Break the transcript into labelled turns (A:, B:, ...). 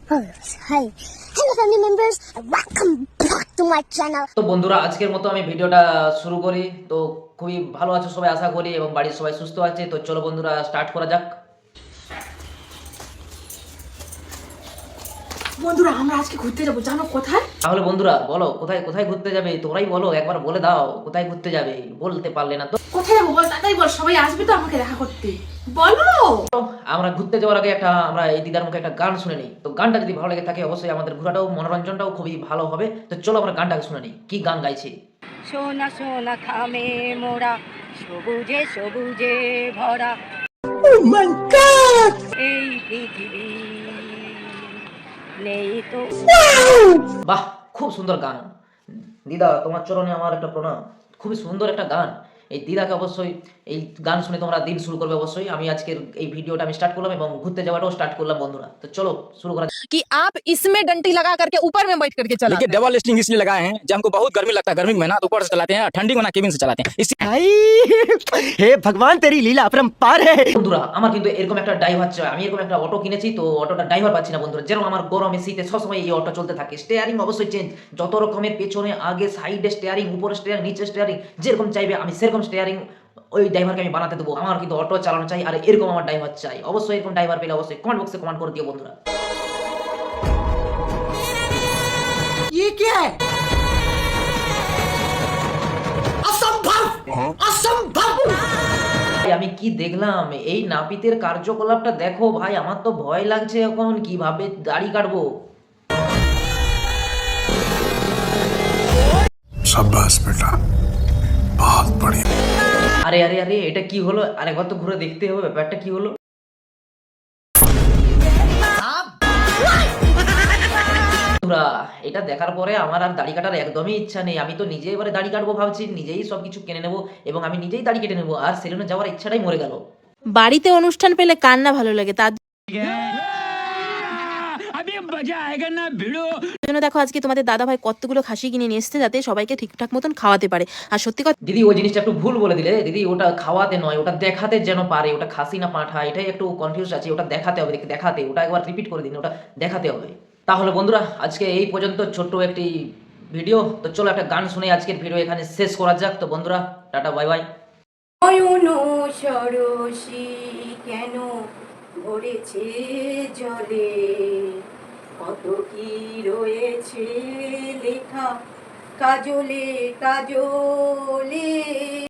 A: Hi. Hello family members. Welcome back to my channel.
B: তো বন্ধুরা আজকের মতো আমি ভিডিওটা শুরু করি। তো খুবই ভালো আছো সবাই আশা করি এবং বাড়ির সবাই সুস্থ আছে। তো চলো বন্ধুরা স্টার্ট করা যাক।
C: বন্ধুরা আমরা আজকে ঘুরতে যাবো, জানো কোথায়?
B: তাহলে বন্ধুরা বলো কোথায় কোথায় ঘুরতে যাবে, তোমরাই বলো, একবার বলে দাও কোথায় ঘুরতে যাবে, বলতে পারলে না তো।
C: কোথায় যাবো বল, তাড়াতাড়ি বল, সবাই আসবে তো আমাকে দেখা করতে, বলো।
B: আমরা ঘুরতে যাওয়ার আগে আমরা এই দিদার মুখে একটা গান শুনে নিই। তো গানটা যদি ভালো লেগে থাকে অবশ্যই আমাদের ঘোরাটাও মনোরঞ্জনটাও খুবই ভালো হবে। তো চলো আমরা গানটাকে শুনে নিই, কি গান গাইছে।
D: সোনা সোনা খামে মোরা, সবুজে সবুজে ভরা এই পৃথিবী নেই তো।
B: বাহ, খুব সুন্দর গান। দিদা তোমার চরণে আমার একটা প্রণাম। খুবই সুন্দর একটা গান। এই দিদাকে অবশ্যই এই গান শুনে তোমরা দিন শুরু করবে অবশ্যই। আমি আজকের এই ভিডিওটা আমি স্টার্ট করলাম এবং ঘুরতে যাওয়াটাও স্টার্ট করলাম বন্ধুরা। তো চলো শুরু করা যাক।
E: कि आप इसमें डंडी लगा करके ऊपर में बैठ करके चलाते
F: देखिए डबल लिस्टिंग इसलिए लगाए हैं जब हमको बहुत गर्मी लगता है, गर्मी में ना तो ऊपर से चलाते हैं, ठंडी में ना केबिन से चलाते हैं। इसी
G: भाई हे भगवान तेरी लीला अपरंपार है।
B: বন্ধুরা আমার কিন্তু এরকম একটা ড্রাইভার চাই। আমি এরকম একটা অটো কিনেছি, তো অটোটা ড্রাইভার পাচ্ছি না বন্ধুরা। যেরকম আমার গরমে শীতে সবসময় এই অটো চলতে থাকে। স্টিয়ারিং অবশ্যই চেঞ্জ, যত রকমের পেছনে আগে সাইডে স্টিয়ারিং, উপরে স্টিয়ারিং, নিচে স্টিয়ারিং, যেরকম চাইবে আমি সেরকম স্টিয়ারিং ওই ড্রাইভারকে আমি বানাতে দেবো। আমার কিন্তু অটো চালানো চাই আর এরকম আমার ড্রাইভার চাই। অবশ্যই এরকম ড্রাইভার পেলে অবশ্যই কমেন্ট বক্সে কমেন্ট করে দিও বন্ধুরা।
G: ये क्या है? असंभव असंभव।
B: ভাই আমি কি দেখলাম, এই নাপিতের কার্যকলাপটা দেখো ভাই, আমার তো ভয় লাগছে এখন কিভাবে দাড়ি কাটবো।
H: शाबाश बेटा, बहुत बढ़िया।
B: আরে আরে আরে এটা কি হলো, আরেকবার তো ঘুরে দেখতে হবে ব্যাপারটা কি হলো। বন্ধুরা, এটা দেখার পরে আমার আর দাড়ি কাটার একদমই ইচ্ছা নেই। আমি তো নিজে এবারে দাড়ি কাটবো ভাবছি, নিজেই সবকিছু কিনে নেবো এবং আমি নিজেই দাড়ি কেটে নেবো। আর সেলুনে যাওয়ার ইচ্ছাটাই মরে গেল।
I: বাড়িতে অনুষ্ঠান পেলে কার না ভালো লাগে, তার জন্য দেখো আজকে তোমাদের দাদা ভাই কতগুলো খাসি কিনে নিয়ে এসেছে যাতে সবাইকে ঠিকঠাক মতন খাওয়াতে পারে। আর সত্যি কথা
B: দিদি ওই জিনিসটা একটু ভুল বলে দিলে দিদি, ওটা খাওয়াতে নয়, ওটা দেখাতে যেন পারে। ওটা খাসি না পাঁঠা এটাই একটু কনফিউজ আছে। ওটা দেখাতে হবে, দেখাতে, ওটা একবার রিপিট করে দিন, ওটা দেখাতে হবে। তাহলে বন্ধুরা আজকে এই পর্যন্ত ছোট্ট একটি ভিডিও। তো চলো একটা গান শুনে আজকের ভিডিও এখানে শেষ করা যাক। তো বন্ধুরা টাটা, বাই বাই।
D: নয়ন সরসী কেন ভরেছে জলে, কত কি রয়েছে লেখা কাজলে কাজলে।